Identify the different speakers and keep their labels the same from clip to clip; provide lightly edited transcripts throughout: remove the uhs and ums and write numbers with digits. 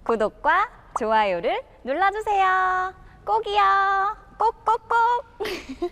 Speaker 1: 구독과 좋아요를 눌러주세요. 꼭이요. 꼭꼭꼭.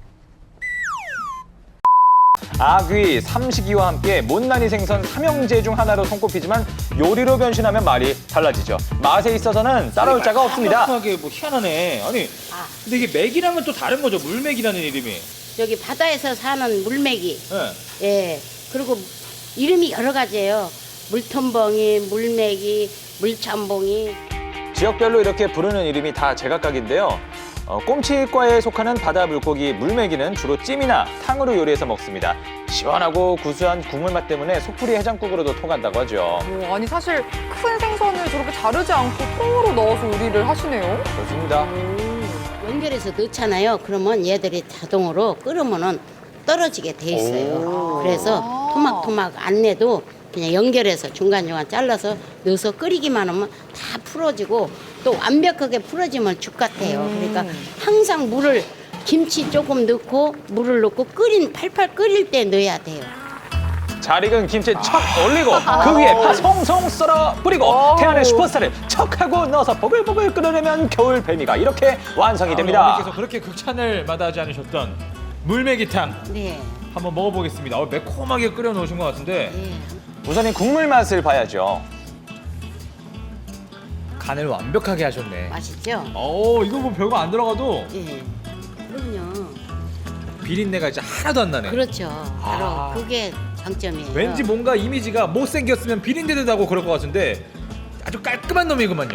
Speaker 2: 아귀, 삼식이와 함께 못난이 생선 삼형제 중 하나로 손꼽히지만 요리로 변신하면 말이 달라지죠. 맛에 있어서는 따라올 자가 없습니다.
Speaker 3: 하게 뭐 희한하네. 아니, 근데 이게 맥이랑은 또 다른 거죠. 물맥이라는 이름이.
Speaker 4: 여기 바다에서 사는 물메기.
Speaker 3: 네.
Speaker 4: 예. 그리고 이름이 여러 가지예요. 물텀벙이, 물메기, 물참봉이.
Speaker 2: 지역별로 이렇게 부르는 이름이 다 제각각인데요. 꼼치과에 속하는 바다 물고기 물메기는 주로 찜이나 탕으로 요리해서 먹습니다. 시원하고 구수한 국물 맛 때문에 속풀이 해장국으로도 통한다고 하죠.
Speaker 5: 아니 사실 큰 생선을 저렇게 자르지 않고 통으로 넣어서 요리를 하시네요.
Speaker 2: 그렇습니다.
Speaker 4: 연결해서 넣잖아요. 그러면 얘들이 자동으로 끓으면은 떨어지게 돼 있어요. 그래서 토막토막 안 내도 그냥 연결해서 중간중간 잘라서 넣어서 끓이기만 하면 다 풀어지고 또 완벽하게 풀어지면 죽 같아요. 그러니까 항상 물을 김치 조금 넣고 물을 넣고 팔팔 끓일 때 넣어야 돼요.
Speaker 2: 잘 익은 김치 척 올리고 그 위에 파 송송 썰어 뿌리고 태안의 슈퍼스타를 척하고 넣어서 보글보글 끓여내면 겨울 뱀이가 이렇게 완성이 됩니다.
Speaker 3: 어머니께서 그렇게 극찬을 마다하지 않으셨던 물메기탕
Speaker 4: 네.
Speaker 3: 한번 먹어보겠습니다. 매콤하게 끓여 놓으신 것 같은데
Speaker 4: 예.
Speaker 2: 우선 이 국물 맛을 봐야죠.
Speaker 3: 간을 완벽하게 하셨네.
Speaker 4: 맛있죠?
Speaker 3: 이거 뭐 별거 안 들어가도
Speaker 4: 예. 그럼요.
Speaker 3: 비린내가 이제 하나도 안 나네.
Speaker 4: 그렇죠. 바로
Speaker 3: 아.
Speaker 4: 그게 장점이에요.
Speaker 3: 왠지 뭔가 이미지가 못생겼으면 비린내 나고 그럴 것 같은데 아주 깔끔한 놈이구만요.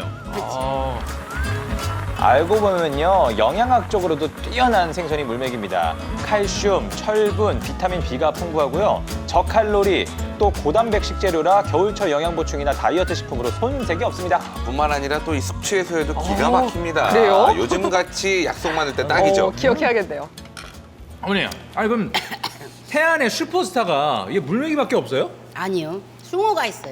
Speaker 2: 알고 보면요, 영양학적으로도 뛰어난 생선이 물맥입니다. 칼슘, 철분, 비타민 B가 풍부하고요. 저칼로리, 또 고단백 식재료라 겨울철 영양 보충이나 다이어트 식품으로 손색이 없습니다.
Speaker 6: 뿐만 아니라 또 이 숙취해소에도 기가 막힙니다.
Speaker 5: 그래요?
Speaker 6: 요즘같이 약속 많을 때 딱이죠.
Speaker 5: 기억해야겠네요.
Speaker 3: 어머니, 아니 그럼 태안의 슈퍼스타가 이게 물메기밖에 없어요?
Speaker 4: 아니요. 숭어가 있어요.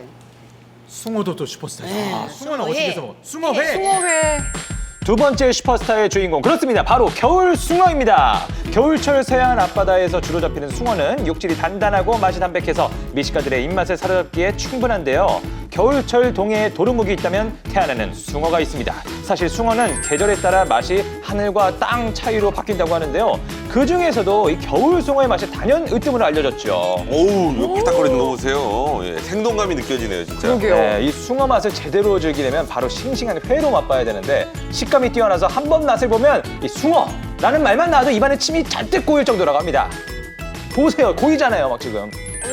Speaker 3: 숭어도 또 슈퍼스타죠.
Speaker 4: 네,
Speaker 3: 숭어는
Speaker 4: 숭어회.
Speaker 3: 어떻게 해서 먹어? 숭어회.
Speaker 5: 숭어회.
Speaker 2: 두 번째 슈퍼스타의 주인공, 그렇습니다. 바로 겨울 숭어입니다. 겨울철 서해안 앞바다에서 주로 잡히는 숭어는 육질이 단단하고 맛이 담백해서 미식가들의 입맛을 사로잡기에 충분한데요. 겨울철 동해에 도루묵이 있다면 태안에는 숭어가 있습니다. 사실 숭어는 계절에 따라 맛이 하늘과 땅 차이로 바뀐다고 하는데요. 그 중에서도 이 겨울 숭어의 맛이 단연 으뜸으로 알려졌죠.
Speaker 6: 오우, 이거 피딱거리는 거 보세요. 예, 생동감이 느껴지네요, 진짜.
Speaker 5: 그러게요.
Speaker 2: 네, 이 숭어 맛을 제대로 즐기려면 바로 싱싱한 회로 맛봐야 되는데 식감이 뛰어나서 한 번 맛을 보면 이 숭어라는 말만 나와도 입안에 침이 잔뜩 고일 정도라고 합니다. 보세요, 고이잖아요, 막 지금.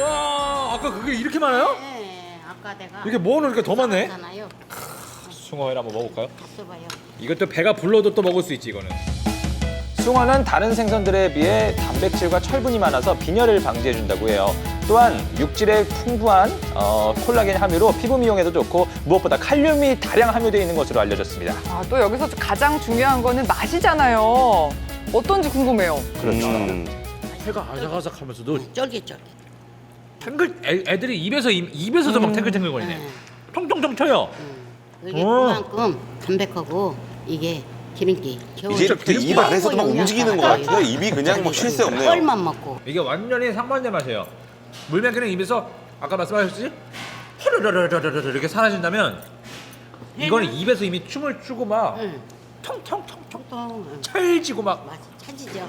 Speaker 3: 와, 아까 그게 이렇게 많아요?
Speaker 4: 네. 아까 내가
Speaker 3: 이게 모아놓으니까 더 많네.
Speaker 4: 잖아요.
Speaker 3: 숭어회를 한번 먹어볼까요?
Speaker 4: 봤어봐요.
Speaker 3: 이것도 배가 불러도 또 먹을 수 있지 이거는.
Speaker 2: 숭어는 다른 생선들에 비해 단백질과 철분이 많아서 빈혈을 방지해준다고 해요. 또한 육질에 풍부한 콜라겐 함유로 피부 미용에도 좋고 무엇보다 칼륨이 다량 함유되어 있는 것으로 알려졌습니다.
Speaker 5: 또 여기서 가장 중요한 거는 맛이잖아요. 어떤지 궁금해요.
Speaker 2: 그렇죠.
Speaker 3: 회가 아삭아삭하면서도
Speaker 4: 쫄깃쫄깃.
Speaker 3: 탱글 애들이 입에서도 막 탱글탱글거리네. 통통통 쳐요.
Speaker 4: 이게 그만큼 담백하고 이게 기름기.
Speaker 6: 이제 입 안에서도 막 움직이는 것 같아요. 입이 그냥 뭐 쉴 새 없네요.
Speaker 4: 뻘만 먹고.
Speaker 3: 이게 완전히 상반된 맛이에요. 물맥기는 입에서 아까 말씀하셨지? 허르르르르르 이렇게 사라진다면 이거는 입에서 이미 춤을 추고 막
Speaker 4: 응.
Speaker 3: 텅텅텅텅
Speaker 4: 통통.
Speaker 3: 찰지고 막
Speaker 4: 맛이 차지죠.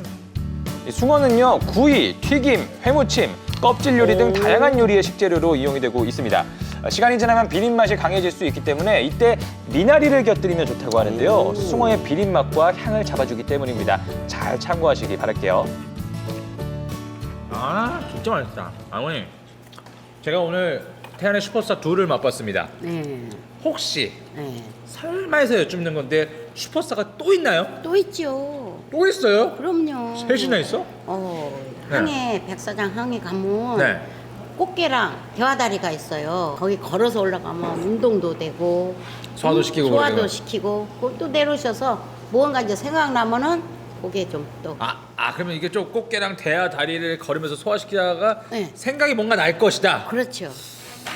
Speaker 2: 이 숭어는요, 구이, 튀김, 회무침, 껍질 요리 등 다양한 요리의 식재료로 이용이 되고 있습니다. 시간이 지나면 비린 맛이 강해질 수 있기 때문에 이때 미나리를 곁들이면 좋다고 하는데요. 숭어의 비린 맛과 향을 잡아주기 때문입니다. 잘 참고하시기 바랄게요.
Speaker 3: 진짜 맛있다. 어머니, 제가 오늘 태안의 슈퍼스타 2를 맛봤습니다.
Speaker 4: 네.
Speaker 3: 혹시
Speaker 4: 네.
Speaker 3: 설마 해서 여쭙는 건데 슈퍼스타가 또 있나요?
Speaker 4: 또 있죠.
Speaker 3: 또 있어요?
Speaker 4: 그럼요.
Speaker 3: 셋이나 있어? 네.
Speaker 4: 항해 백사장 항해 가면
Speaker 3: 네.
Speaker 4: 꽃게랑 대화다리가 있어요. 거기 걸어서 올라가면 운동도 되고
Speaker 3: 소화도 시키고
Speaker 4: 소화도
Speaker 3: 그러게요.
Speaker 4: 시키고 또 내려오셔서 무언가 이제 생각나면은 그게 좀 또
Speaker 3: 그러면 이게 좀 꽃게랑 대하 다리를 걸으면서 소화시키다가
Speaker 4: 네.
Speaker 3: 생각이 뭔가 날 것이다.
Speaker 4: 그렇죠.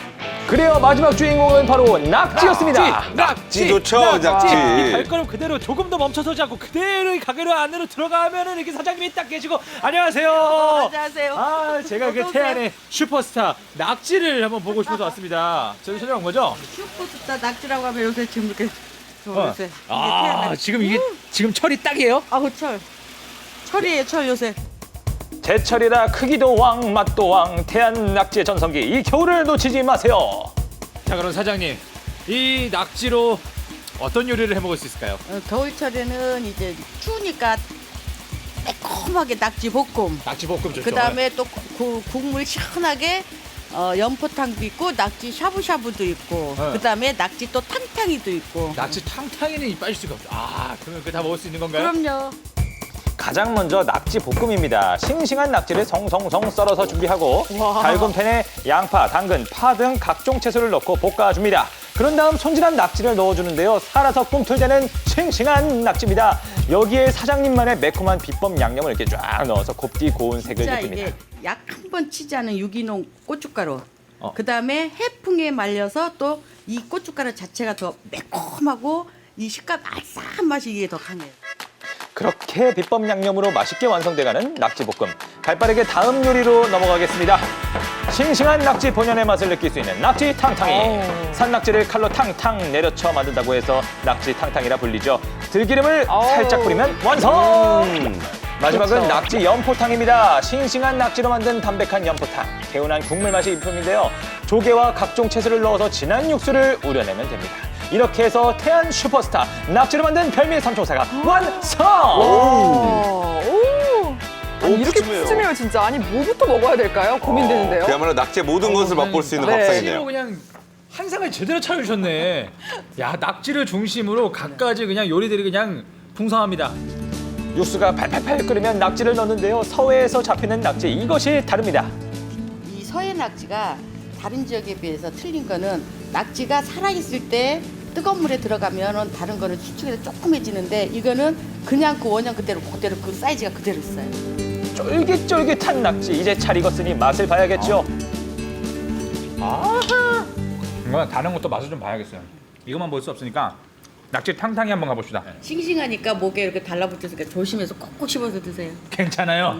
Speaker 2: 그래요, 마지막 주인공은 바로 낙지였습니다.
Speaker 6: 낙지 좋죠, 낙지.
Speaker 3: 이 발걸음 그대로 조금 더 멈춰서지 않고 그대로 이 가게로 안으로 들어가면은 이렇게 사장님이 딱 계시고 안녕하세요.
Speaker 7: 안녕하세요.
Speaker 3: 아 제가 그 태안의 슈퍼스타 낙지를 한번 보고 싶어서 왔습니다. 저희 찾아온 거죠?
Speaker 7: 슈퍼스타 낙지라고 하면 요새 지금 이렇게 요새
Speaker 3: 아 지금 이게 지금 철이 딱이에요?
Speaker 7: 아우 철이에요 철 요새.
Speaker 2: 제철이라 크기도 왕, 맛도 왕, 태안 낙지의 전성기. 이 겨울을 놓치지 마세요.
Speaker 3: 자 그럼 사장님 이 낙지로 어떤 요리를 해먹을 수 있을까요?
Speaker 7: 겨울철에는 이제 추우니까 매콤하게 낙지 볶음.
Speaker 3: 낙지 볶음 좋죠.
Speaker 7: 그 다음에 또 국물 시원하게 연포탕도 있고 낙지 샤브샤브도 있고
Speaker 3: 네.
Speaker 7: 그 다음에 낙지 또 탕탕이도 있고.
Speaker 3: 낙지 탕탕이는 빠질 수가 없죠. 아 그러면 그거 다 먹을 수 있는 건가요?
Speaker 7: 그럼요.
Speaker 2: 가장 먼저 낙지 볶음입니다. 싱싱한 낙지를 성성성 썰어서 준비하고 달군 팬에 양파, 당근, 파 등 각종 채소를 넣고 볶아줍니다. 그런 다음 손질한 낙지를 넣어주는데요. 살아서 꿈틀대는 싱싱한 낙지입니다. 여기에 사장님만의 매콤한 비법 양념을 이렇게 쫙 넣어서 곱디 고운 색을
Speaker 7: 진짜
Speaker 2: 내줍니다.
Speaker 7: 이게 약 한 번 치지 않은 유기농 고춧가루.
Speaker 3: 어.
Speaker 7: 그 다음에 해풍에 말려서 또 이 고춧가루 자체가 더 매콤하고 이 식감 알싸한 맛이 이게 더 강해요.
Speaker 2: 그렇게 비법 양념으로 맛있게 완성돼가는 낙지볶음. 발빠르게 다음 요리로 넘어가겠습니다. 싱싱한 낙지 본연의 맛을 느낄 수 있는 낙지 탕탕이. 산낙지를 칼로 탕탕 내려쳐 만든다고 해서 낙지 탕탕이라 불리죠. 들기름을 살짝 뿌리면 완성! 마지막은 낙지 연포탕입니다. 싱싱한 낙지로 만든 담백한 연포탕. 개운한 국물 맛이 일품인데요. 조개와 각종 채소를 넣어서 진한 육수를 우려내면 됩니다. 이렇게 해서 태안 슈퍼스타 낙지로 만든 별미 삼총사가 완성!
Speaker 5: 아니, 이렇게
Speaker 6: 푸짐해요.
Speaker 5: 푸짐해요 진짜. 아니 뭐부터 먹어야 될까요? 고민되는데요.
Speaker 6: 그야말로 낙지의 모든 것을 맛볼 수 있는
Speaker 5: 네.
Speaker 3: 낙지로
Speaker 6: 밥상이네요.
Speaker 3: 그냥 한상을 제대로 차려주셨네. 야 낙지를 중심으로 갖가지 그냥 요리들이 그냥 풍성합니다.
Speaker 2: 육수가 팔팔팔 끓으면 낙지를 넣는데요. 서해에서 잡히는 낙지 이것이 다릅니다.
Speaker 7: 이 서해 낙지가 다른 지역에 비해서 틀린 거는 낙지가 살아있을 때 뜨거운 물에 들어가면 다른 거는 수축해서 조그매지는데 이거는 그냥 그 원형 그대로 그 사이즈가 그대로 있어요.
Speaker 2: 쫄깃쫄깃한 낙지 이제 잘 익었으니 맛을 봐야겠죠.
Speaker 3: 이건 다른 것도 맛을 좀 봐야겠어요. 이것만 볼 수 없으니까 낙지 탕탕이 한번 가봅시다.
Speaker 7: 싱싱하니까 목에 이렇게 달라붙으니까 조심해서 꼭꼭 씹어서 드세요.
Speaker 3: 괜찮아요.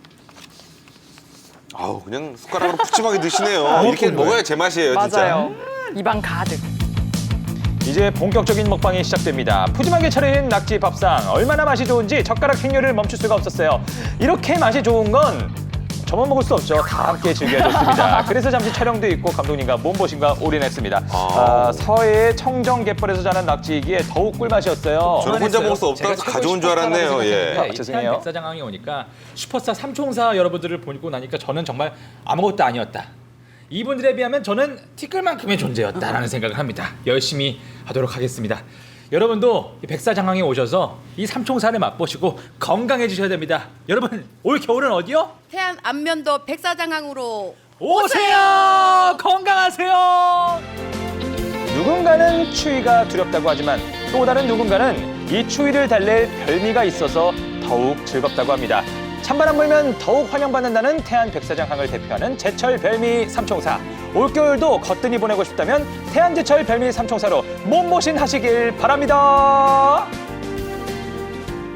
Speaker 6: 아우 그냥 숟가락으로 푸짐하게 드시네요. 이렇게 먹어야 제맛이에요, 진짜.
Speaker 5: 맞아요. 입안 가득.
Speaker 2: 이제 본격적인 먹방이 시작됩니다. 푸짐하게 차린 낙지 밥상 얼마나 맛이 좋은지 젓가락 행렬을 멈출 수가 없었어요. 이렇게 맛이 좋은 건 저만 먹을 수 없죠. 다 함께 즐겨줬습니다. 그래서 잠시 촬영도 있고 감독님과 몸보신과 올인했습니다. 서해의 청정갯벌에서 자란 낙지이기에 더욱 꿀맛이었어요.
Speaker 6: 저는 혼자 먹을 수 없다고 해서 가져온 줄 알았네요. 예.
Speaker 2: 죄송해요.
Speaker 3: 백사장항에 오니까 슈퍼스타 삼총사 여러분들을 보고 나니까 저는 정말 아무것도 아니었다. 이분들에 비하면 저는 티끌만큼의 존재였다라는 생각을 합니다. 열심히 하도록 하겠습니다. 여러분도 이 백사장항에 오셔서 이 삼총사를 맛보시고 건강해지셔야 됩니다. 여러분 올 겨울은 어디요?
Speaker 7: 태안 안면도 백사장항으로
Speaker 3: 오세요! 건강하세요!
Speaker 2: 누군가는 추위가 두렵다고 하지만 또 다른 누군가는 이 추위를 달랠 별미가 있어서 더욱 즐겁다고 합니다. 찬바람 불면 더욱 환영받는다는 태안 백사장항을 대표하는 제철 별미 삼총사. 올겨울도 거뜬히 보내고 싶다면 태안 제철 별미 삼총사로 몸보신 하시길 바랍니다.